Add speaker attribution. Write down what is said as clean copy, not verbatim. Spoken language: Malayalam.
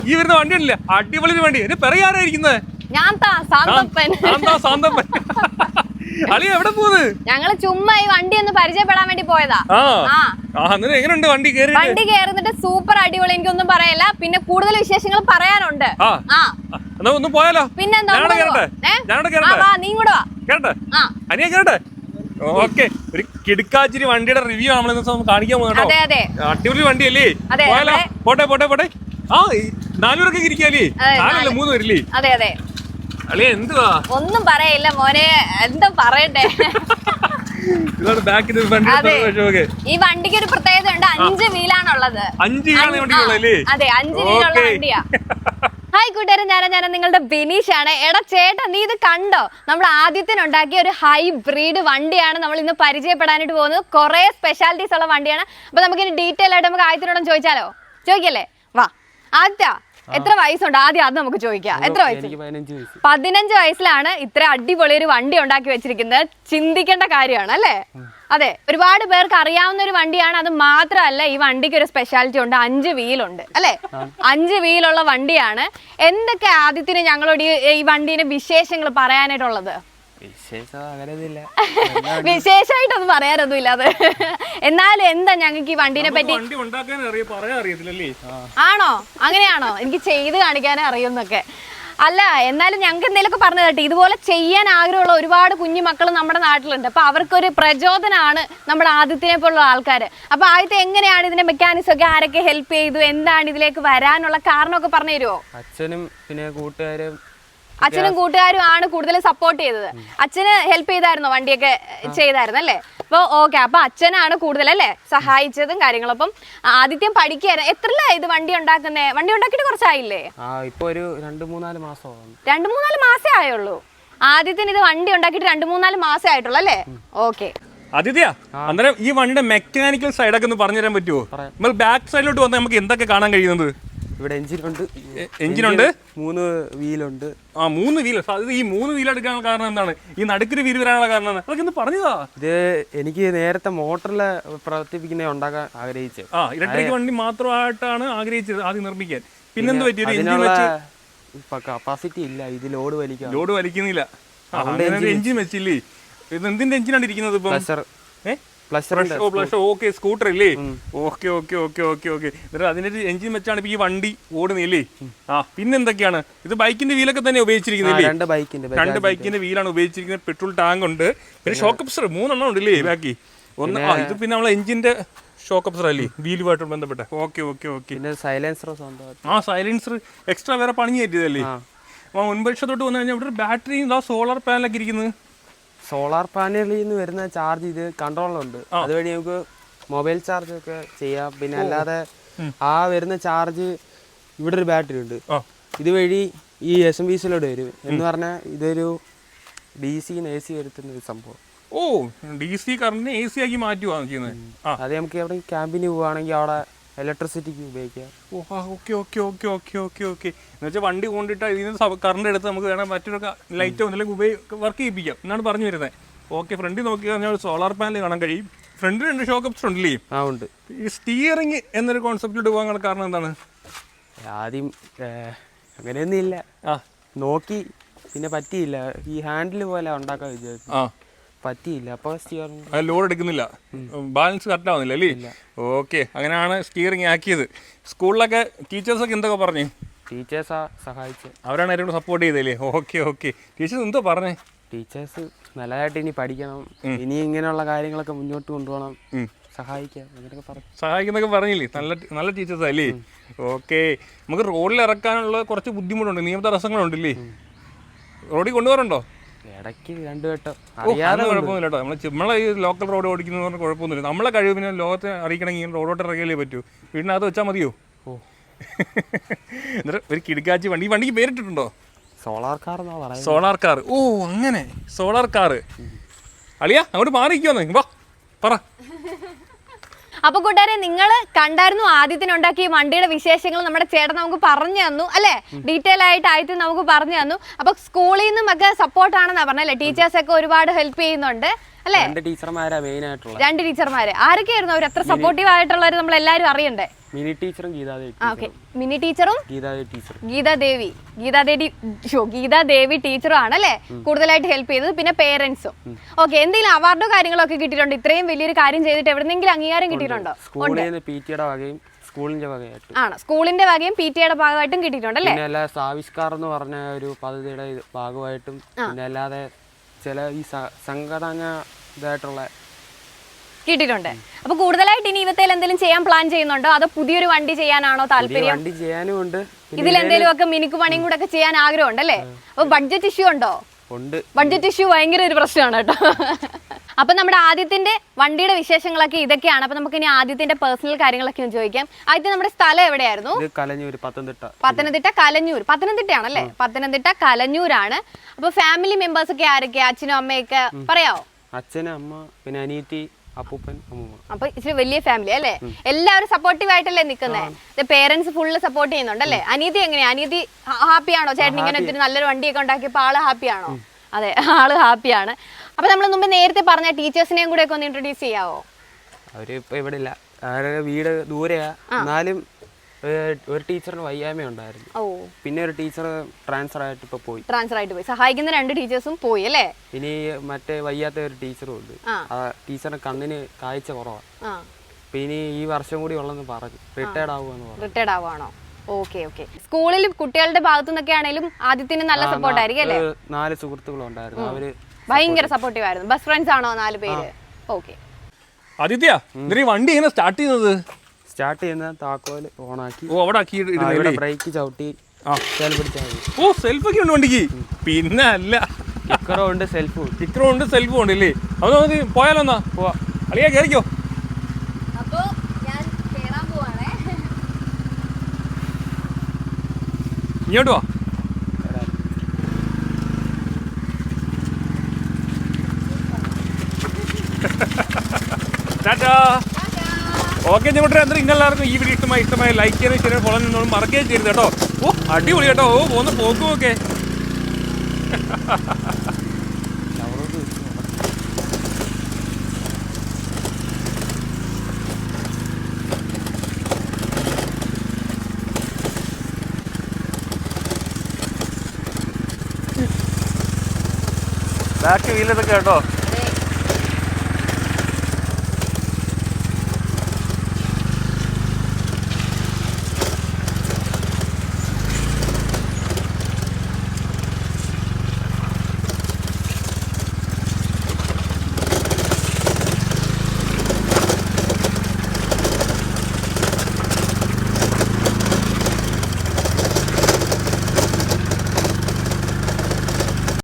Speaker 1: ഈ വരുന്ന വണ്ടി ഉണ്ടല്ലേ, അടിപൊളി വണ്ടി. എന്നെ പറയാറായിരിക്കുന്നത് അളി എവിടെ പോന്ന്?
Speaker 2: ഞങ്ങള് ചുമ്മാ ഈ വണ്ടി ഒന്ന് പരിചയപ്പെടാൻ വേണ്ടി പോയതാ.
Speaker 1: എങ്ങനെയുണ്ട് വണ്ടി കയറി?
Speaker 2: വണ്ടി കയറുന്നിട്ട് സൂപ്പർ അടിപൊളി, എനിക്കൊന്നും പറയല്ല. പിന്നെ കൂടുതൽ വിശേഷങ്ങൾ പറയാനുണ്ട്.
Speaker 1: ഒന്ന് പോയാലോ?
Speaker 2: പിന്നെന്താ, നീ കൂടെ വാ.
Speaker 1: അനിയ കേട്ടെ. ഓക്കെ, ഒരു കിടുക്കാച്ചിരി വണ്ടിയുടെ റിവ്യൂ നമ്മൾ കാണിക്കാൻ പോകുന്നുണ്ടോ? അടിപൊളി വണ്ടിയല്ലേ? പോയാലോ? പോട്ടെ പോട്ടെ പോട്ടെ. 4 പേരൊക്കെ ഇരിക്കാല്ലേ? 4 അല്ല 3 പേരില്ലേ?
Speaker 2: അതെ അതെ.
Speaker 1: അളിയ എന്തുവാ?
Speaker 2: ഒന്നും പറയില്ല മോനെ, എന്താ പറയട്ടെ. ഈ വണ്ടിക്ക് ഒരു പ്രത്യേകത ഉണ്ട്, 5 വീലാണുള്ളത്. 5 വീലുള്ള വണ്ടിയാ. ഹായ് കൂട്ടുകാരെ, ഞാൻ നിങ്ങളുടെ ബിനീഷ് ആണ്. എടാ ചേട്ടാ, നീ ഇത് കണ്ടോ? നമ്മൾ ആദ്യത്തിനുണ്ടാക്കിയ ഒരു ഹൈബ്രിഡ് വണ്ടിയാണ് നമ്മൾ ഇന്ന് പരിചയപ്പെടാനായിട്ട് പോകുന്നത്. കുറെ സ്പെഷ്യാലിറ്റീസ് ഉള്ള വണ്ടിയാണ്. അപ്പൊ നമുക്കിനി ഡീറ്റെയിൽ ആയിട്ട് നമുക്ക് ആദ്യത്തിനോടും ചോദിച്ചാലോ? ചോദിക്കല്ലേ? വാ. ആദ്യ എത്ര വയസ്സുണ്ട്? ആദ്യം അത് നമുക്ക് ചോദിക്കാം. എത്ര വയസ്സ്? 15 വയസ്സിലാണ് ഇത്ര അടിപൊളി ഒരു വണ്ടി ഉണ്ടാക്കി വെച്ചിരിക്കുന്നത്. ചിന്തിക്കേണ്ട കാര്യമാണ് അല്ലേ? അതെ, ഒരുപാട് പേർക്ക് അറിയാവുന്ന ഒരു വണ്ടിയാണ്. അത് മാത്രമല്ല, ഈ വണ്ടിക്ക് ഒരു സ്പെഷ്യാലിറ്റി ഉണ്ട്, 5 വീലുണ്ട് അല്ലേ? 5 വീലുള്ള വണ്ടിയാണ്. എന്തൊക്കെ ആദ്യത്തിന് ഞങ്ങളോട് ഈ വണ്ടീന്റെ വിശേഷങ്ങൾ പറയാനായിട്ടുള്ളത്? വിശേഷമായിട്ടൊന്നും പറയാനൊന്നും ഇല്ലാതെ. എന്നാലും എന്താ ഞങ്ങൾക്ക് ഈ വണ്ടീനെ പറ്റി? ആണോ? അങ്ങനെയാണോ? എനിക്ക് ചെയ്ത് കാണിക്കാനേ അറിയുന്നൊക്കെ. അല്ല, എന്നാലും ഞങ്ങൾക്ക് എന്തെങ്കിലുമൊക്കെ പറഞ്ഞു കേട്ടെ. ഇതുപോലെ ചെയ്യാൻ ആഗ്രഹമുള്ള ഒരുപാട് കുഞ്ഞു മക്കൾ നമ്മുടെ നാട്ടിലുണ്ട്. അപ്പൊ അവർക്കൊരു പ്രചോദനമാണ് നമ്മുടെ ആദ്യത്തിനെ പോലുള്ള ആൾക്കാർ. അപ്പൊ ആദ്യത്തെ എങ്ങനെയാണ് ഇതിന്റെ മെക്കാനിക്സ് ഒക്കെ, ആരൊക്കെ ഹെൽപ്പ് ചെയ്തു, എന്താണ് ഇതിലേക്ക് വരാനുള്ള കാരണമൊക്കെ പറഞ്ഞു തരുമോ?
Speaker 3: അച്ഛനും പിന്നെ കൂട്ടുകാരും
Speaker 2: ആണ് കൂടുതൽ സപ്പോർട്ട് ചെയ്തത്. അച്ഛന് ഹെൽപ്പ് ചെയ്തായിരുന്നോ? വണ്ടിയൊക്കെ ചെയ്തായിരുന്നു അല്ലേ? അപ്പൊ ഓക്കെ, അപ്പൊ അച്ഛനാണ് കൂടുതൽ അല്ലേ സഹായിച്ചതും കാര്യങ്ങളും. അപ്പം ആദ്യം പഠിക്കായിരുന്നു. എത്രല്ല ഇത് വണ്ടി ഉണ്ടാക്കുന്നേ? വണ്ടി ഉണ്ടാക്കിയിട്ട് കുറച്ചായില്ലേ?
Speaker 3: ഇപ്പൊ ഒരു 2-3-4 മാസം.
Speaker 2: 2-3-4 മാസേ ആയുള്ളൂ. ആദ്യത്തിന് ഇത് വണ്ടി ഉണ്ടാക്കിയിട്ട് 2-3-4 മാസേ ആയിട്ടുള്ളൂ അല്ലേ? ഓക്കെ.
Speaker 1: ആദിത്യ, അന്നേരം ഈ വണ്ടിയുടെ മെക്കാനിക്കൽ സൈഡൊക്കെ ഒന്ന് പറഞ്ഞു തരാൻ പറ്റുമോ? നമ്മൾ ബാക്ക് സൈഡിലോട്ട് വന്നാൽ നമുക്ക് എന്തൊക്കെ കാണാൻ കഴിയുന്നത്?
Speaker 3: ഇവിടെ എഞ്ചിനുണ്ട്, 3 വീലുണ്ട്.
Speaker 1: 3 വീൽ. ഈ 3 വീൽ എടുക്കാനുള്ള കാരണം എന്താണ്? ഈ നടുക്കൊരു വീൽ വരാനുള്ള കാരണം അതൊക്കെ ഒന്ന് പറഞ്ഞതാ.
Speaker 3: ഇത് എനിക്ക് നേരത്തെ മോട്ടറിലെ പ്രവർത്തിപ്പിക്കുന്ന ഉണ്ടാക്കാൻ ആഗ്രഹിച്ചത്.
Speaker 1: ഇലക്ട്രിക് വണ്ടി മാത്രമായിട്ടാണ് ആഗ്രഹിച്ചത് ആദ്യം നിർമ്മിക്കാൻ. പിന്നെന്ത് പറ്റി?
Speaker 3: കപ്പാസിറ്റി ഇല്ല, ഇത് ലോഡ്
Speaker 1: വലിക്കുന്നില്ല. എഞ്ചിൻ വെച്ചില്ലേ? ഇത് എന്തിന്റെ എഞ്ചിനാണ് ഇരിക്കുന്നത്? സ്കൂട്ടർ അല്ലേ? ഓക്കെ. അതിന്റെ എഞ്ചിൻ വെച്ചാണ് ഇപ്പൊ ഈ വണ്ടി ഓടുന്നില്ലേ? പിന്നെന്തൊക്കെയാണ്? ഇത് ബൈക്കിന്റെ വീലൊക്കെ തന്നെ ഉപയോഗിച്ചിരിക്കുന്നില്ലേ? 2 ബൈക്കിന്റെ വീലാണ് ഉപയോഗിച്ചിരിക്കുന്നത്. പെട്രോൾ ടാങ്ക് ഉണ്ട്, പിന്നെ ഷോക്ക് അബ്സർ 3 എണ്ണം ഉണ്ടല്ലേ ബാക്കി? ഇത് പിന്നെ നമ്മളെ എഞ്ചിന്റെ ഷോക്ക് അബ്സർ അല്ലേ, വീലുമായിട്ട് ബന്ധപ്പെട്ട? ഓക്കെ. സൈലൻസർ എക്സ്ട്രാ വേറെ പണി കയറ്റിയതല്ലേ? മുൻപക്ഷത്തോട്ട് വന്നു കഴിഞ്ഞാൽ ഇവിടെ ഒരു ബാറ്ററിയും സോളാർ പാനലൊക്കെ ഇരിക്കുന്നത്.
Speaker 3: സോളാർ പാനലിൽ നിന്ന് വരുന്ന ചാർജ് ഇത് കൺട്രോളുണ്ട്. അതുവഴി നമുക്ക് മൊബൈൽ ചാർജ് ഒക്കെ ചെയ്യാം. പിന്നെ അല്ലാതെ വരുന്ന ചാർജ് ഇവിടെ ഒരു ബാറ്ററി ഉണ്ട്, ഇതുവഴി ഈ SMBCയിലോട്ട് വരും. എന്ന് പറഞ്ഞാൽ ഇതൊരു DC AC വരുത്തുന്ന ഒരു സംഭവം.
Speaker 1: DC കറണ്ടിനെ AC ആക്കി മാറ്റുകയാണ് ചെയ്യുന്നത്.
Speaker 3: അത് നമുക്ക് എവിടെ ക്യാമ്പിന് പോവുകയാണെങ്കിൽ അവിടെ ഇലക്ട്രിസിറ്റിക്ക് ഉപയോഗിക്കാം.
Speaker 1: ഓക്കെ. എന്നുവെച്ചാൽ വണ്ടി കൊണ്ടിട്ട് ഇതിന് കറണ്ട് എടുത്ത് നമുക്ക് വേണം മറ്റൊരു ലൈറ്റോ എന്തെങ്കിലും വർക്ക് ചെയ്യിപ്പിക്കാം എന്നാണ് പറഞ്ഞു വരുന്നത്. ഓക്കെ, ഫ്രണ്ടിൽ നോക്കി കഴിഞ്ഞാൽ സോളാർ പാനൽ കാണാൻ കഴിയും. ഫ്രണ്ടിൽ 2 ഷോക്ക് അബ്സർ ഉണ്ടല്ലേ?
Speaker 3: ഉണ്ട്.
Speaker 1: ഈ സ്റ്റിയറിംഗ് എന്നൊരു കോൺസെപ്റ്റിലോട്ട് പോകാൻ കാരണം എന്താണ്?
Speaker 3: ആദ്യം അങ്ങനെയൊന്നും ഇല്ല, നോക്കി, പിന്നെ പറ്റിയില്ല. ഈ ഹാൻഡിൽ പോലെ ഉണ്ടാക്കാൻ വിചാരിച്ചു, പറ്റിയില്ല. അപ്പോൾ സ്റ്റിയറിംഗ്
Speaker 1: ലോഡ് എടുക്കുന്നില്ല, ബാലൻസ് കറക്റ്റ് ആവുന്നില്ല അല്ലേ? ഓക്കെ, അങ്ങനെയാണ് സ്റ്റിയറിംഗ് ആക്കിയത്. സ്കൂളിലൊക്കെ ടീച്ചേഴ്സൊക്കെ എന്തൊക്കെ പറഞ്ഞു?
Speaker 3: ടീച്ചേഴ്സാ സഹായിച്ചത്,
Speaker 1: അവരാണ് ഏറ്റവും സപ്പോർട്ട് ചെയ്തല്ലേ? ഓക്കെ. ടീച്ചേഴ്സ് എന്തോ പറഞ്ഞേ?
Speaker 3: ടീച്ചേഴ്സ് നല്ലതായിട്ട് ഇനി പഠിക്കണം, ഇനി ഇങ്ങനെയുള്ള കാര്യങ്ങളൊക്കെ മുന്നോട്ട് കൊണ്ടുപോകണം, സഹായിക്കാം അങ്ങനെയൊക്കെ പറഞ്ഞു.
Speaker 1: സഹായിക്കുന്നൊക്കെ പറഞ്ഞില്ലേ? നല്ല ടീച്ചേഴ്സാ അല്ലേ? ഓക്കെ. നമുക്ക് റോഡിൽ ഇറക്കാനുള്ള കുറച്ച് ബുദ്ധിമുട്ടുണ്ട്, നിയമ തടസ്സങ്ങളുണ്ടല്ലേ? റോഡിൽ കൊണ്ടുപോകാറുണ്ടോ?
Speaker 3: ഇടയ്ക്ക് 2 വട്ടം.
Speaker 1: അറിയാതെ കുഴപ്പമൊന്നുമില്ല കേട്ടോ. നമ്മളെ ഈ ലോക്കൽ റോഡ് ഓടിക്കുന്നത് പറഞ്ഞാൽ കുഴപ്പമൊന്നുമില്ല. നമ്മളെ കഴിവ് പിന്നെ ലോകത്തെ അറിയിക്കണമെങ്കിൽ റോഡോട്ട് ഇറങ്ങിയാലേ പറ്റൂ. വീടിനകത്ത് വെച്ചാൽ മതിയോ? എന്നിട്ട് ഒരു കിടക്കാച്ചി വണ്ടി. ഈ വണ്ടിക്ക് പേരിട്ടിട്ടുണ്ടോ?
Speaker 3: സോളാർ കാർ എന്നാ പറയുന്നത്.
Speaker 1: Solar car. അങ്ങനെ സോളാർ കാർ. അളിയാ അങ്ങോട്ട് മാറിയിരിക്കുവാന്ന് വാ, പറ.
Speaker 2: അപ്പൊ കൂട്ടുകാരെ, നിങ്ങൾ കണ്ടായിരുന്നു ആദ്യത്തിനുണ്ടാക്കിയ വണ്ടിയുടെ വിശേഷങ്ങൾ നമ്മുടെ ചേട്ടൻ നമുക്ക് പറഞ്ഞു തന്നു അല്ലെ? ഡീറ്റെയിൽ ആയിട്ട് ആയിട്ട് നമുക്ക് പറഞ്ഞു തന്നു. അപ്പൊ സ്കൂളിൽ നിന്നും ഒക്കെ സപ്പോർട്ടാണെന്നാ പറഞ്ഞല്ലേ? ടീച്ചേഴ്സ് ഒക്കെ ഒരുപാട് ഹെൽപ്പ് ചെയ്യുന്നുണ്ട് അല്ലേ?
Speaker 3: 2 ടീച്ചർമാരാ മെയിൻ ആയിട്ടുള്ള.
Speaker 2: 2 ടീച്ചർമാര്. ആരൊക്കെയായിരുന്നു അവർ? എത്ര സപ്പോർട്ടീവ് ആയിട്ടുള്ളവർ നമ്മൾ എല്ലാവരും അറിയണ്ടേ?
Speaker 3: മിനി ടീച്ചറും ഗീതാദേവി.
Speaker 2: ഓക്കെ, മിനി ടീച്ചറും ഗീതാദേവി ടീച്ചറും ആണല്ലേ കൂടുതലായിട്ട് ഹെൽപ്പ് ചെയ്തത്. പിന്നെ പേരൻസും. ഓക്കെ, എന്തെങ്കിലും അവാർഡോ കാര്യങ്ങളൊക്കെ കിട്ടിയിട്ടുണ്ടോ? ഇത്രയും വലിയൊരു കാര്യം ചെയ്തിട്ട് എവിടെന്നെങ്കിലും അംഗീകാരം കിട്ടിയിട്ടുണ്ടോ?
Speaker 3: സ്കൂളിൽ നിന്ന് പിടിയുടെ വകയും സ്കൂളിന്റെ വകയായിട്ടും.
Speaker 2: ആണ്, സ്കൂളിന്റെ വകയും പിടിയുടെ ഭാഗമായിട്ടും കിട്ടിയിട്ടുണ്ടല്ലേ?
Speaker 3: പിന്നെ അല്ല സാവിഷ്കാർ എന്ന് പറഞ്ഞ ഒരു പദ്ധതിയുടെ ഭാഗമായിട്ടും പിന്നെ അല്ലാതെ ചില ഈ സംഘടന ഇതായിട്ടുള്ള
Speaker 2: കിട്ടിയിട്ടുണ്ട്. അപ്പൊ കൂടുതലായിട്ട് ഇനി ഇവത്തേൽ എന്തെങ്കിലും ചെയ്യാൻ പ്ലാൻ ചെയ്യുന്നുണ്ടോ? അതോ പുതിയൊരു വണ്ടി ചെയ്യാനാണോ താല്പര്യം?
Speaker 3: വണ്ടി ചെയ്യാനും ഉണ്ട്.
Speaker 2: ഇതിലെന്തെങ്കിലും ഒക്കെ മിനുക്ക് പണിയും കൂടെ ഒക്കെ ചെയ്യാൻ ആഗ്രഹം ഉണ്ടല്ലേ? അപ്പൊ ബഡ്ജറ്റ് ഇഷ്യൂ ഉണ്ടോ?
Speaker 3: ഉണ്ട്.
Speaker 2: ബഡ്ജറ്റ് ഇഷ്യൂ ഭയങ്കര ഒരു പ്രശ്നമാണ് കേട്ടോ. അപ്പൊ നമ്മുടെ ആദ്യത്തിന്റെ വണ്ടിയുടെ വിശേഷങ്ങളൊക്കെ ഇതൊക്കെയാണ്. അപ്പൊ നമുക്ക് ഇനി ആദ്യത്തിന്റെ പേഴ്സണൽ കാര്യങ്ങളൊക്കെ ഒന്ന് ചോദിക്കാം. ആദ്യത്തെ നമ്മുടെ സ്ഥലം എവിടെയായിരുന്നു?
Speaker 3: കലഞ്ഞൂർ, പത്തനംതിട്ട.
Speaker 2: കലഞ്ഞൂർ. പത്തനംതിട്ടയാണല്ലേ? പത്തനംതിട്ട കലഞ്ഞൂരാണ്. അപ്പൊ ഫാമിലി മെമ്പേഴ്സ് ഒക്കെ ആരൊക്കെയാ? അച്ഛനും അമ്മയൊക്കെ പറയാവോ?
Speaker 3: അച്ഛനും അമ്മ പിന്നെ അനിയത്തി, അപ്പൂപ്പൻ, അമ്മൂമ്മ.
Speaker 2: അപ്പൊ ഇച്ചിരി വലിയ ഫാമിലി അല്ലേ? എല്ലാവരും സപ്പോർട്ടീവ് ആയിട്ടല്ലേ നിൽക്കുന്നത്? പേരൻസ് ഫുള്ള് സപ്പോർട്ട് ചെയ്യുന്നുണ്ടല്ലേ? അനിയത്തി എങ്ങനെയാ? അനിയത്തി ഹാപ്പിയാണോ? ചേട്ടൻ ഇങ്ങനെ ഒത്തിരി നല്ലൊരു വണ്ടിയൊക്കെ ഉണ്ടാക്കിയപ്പോൾ ആള് ഹാപ്പിയാണോ? അതെ, ആള് ഹാപ്പിയാണ്. അപ്പൊ നമ്മൾ മുമ്പ് നേരത്തെ പറഞ്ഞ ടീച്ചേഴ്സിനെയും കൂടെ ഒക്കെ ഒന്ന് ഇൻട്രൊഡ്യൂസ് ചെയ്യാവോ?
Speaker 3: അവര് ഇപ്പൊ ഇവിടെ ഇല്ല, അവരുടെ വീട് ദൂരെയാ. എന്നാലും ഒരു ടീച്ചറിന് വയ്യായ്മ ഉണ്ടായിരുന്നു. പിന്നെ ഒരു ടീച്ചർ ട്രാൻസ്ഫർ ആയിട്ട് പോയി.
Speaker 2: സഹായിക്കുന്ന 2 ടീച്ചേഴ്സും പോയി അല്ലേ?
Speaker 3: ഇനി മറ്റേ വയ്യാത്ത ഒരു ടീച്ചറും ഉണ്ട്. ആ ടീച്ചറിന്റെ കണ്ണിന് കാഴ്ച കുറവാണ്. പിന്നെ ഈ വർഷം കൂടി ഉള്ളെന്ന് പറഞ്ഞു റിട്ടയർഡ്
Speaker 2: ആവുകയാണോ? ഓക്കെ. സ്കൂളിൽ കുട്ടികളുടെ ഭാഗത്തു നിന്നൊക്കെ ആണെങ്കിലും ആദ്യത്തിന് നല്ല സപ്പോർട്ട് ആയിരിക്കും അല്ലേ?
Speaker 3: 4 സുഹൃത്തുക്കളുണ്ടായിരുന്നു. അവര്
Speaker 2: ഭയങ്കര സപ്പോർട്ടീവ് ആയിരുന്നു. ബെസ്റ്റ് ഫ്രണ്ട്സ് ആണോ 4 പേര്? ഓക്കെ.
Speaker 1: ആദിത്യ, വണ്ടി എങ്ങനെ
Speaker 3: സ്റ്റാർട്ട് ചെയ്യുന്ന താക്കോല് ഓണാക്കി ബ്രേക്ക് ചവിട്ടി
Speaker 1: സെൽഫ് ഒക്കെ ഉണ്ട് വണ്ടിക്ക്. പിന്നെ അല്ല,
Speaker 3: കിക്കറും ഉണ്ട് സെൽഫും
Speaker 1: ഉണ്ട് അല്ലേ? അത് പോയാലോ? എന്നാ പോവാ. അളിയാ കേറിക്കോ. ഇങ്ങോട്ട് വാ. ടാറ്റാ. ഓക്കെ, ഞങ്ങളുടെ എല്ലാവർക്കും ഈ വീഡിയോ ഇഷ്ടമായി ലൈക്ക് ചെയ്യാനും ഷെയർ ഫോളോ ചെയ്യുന്നതും മറക്കുകയും ചെയ്യരുത് കേട്ടോ. അടിപൊളി കേട്ടോ. പോന്ന് പോക്കും ഒക്കെ. ബാക്ക് വീലതൊക്കെ കേട്ടോ.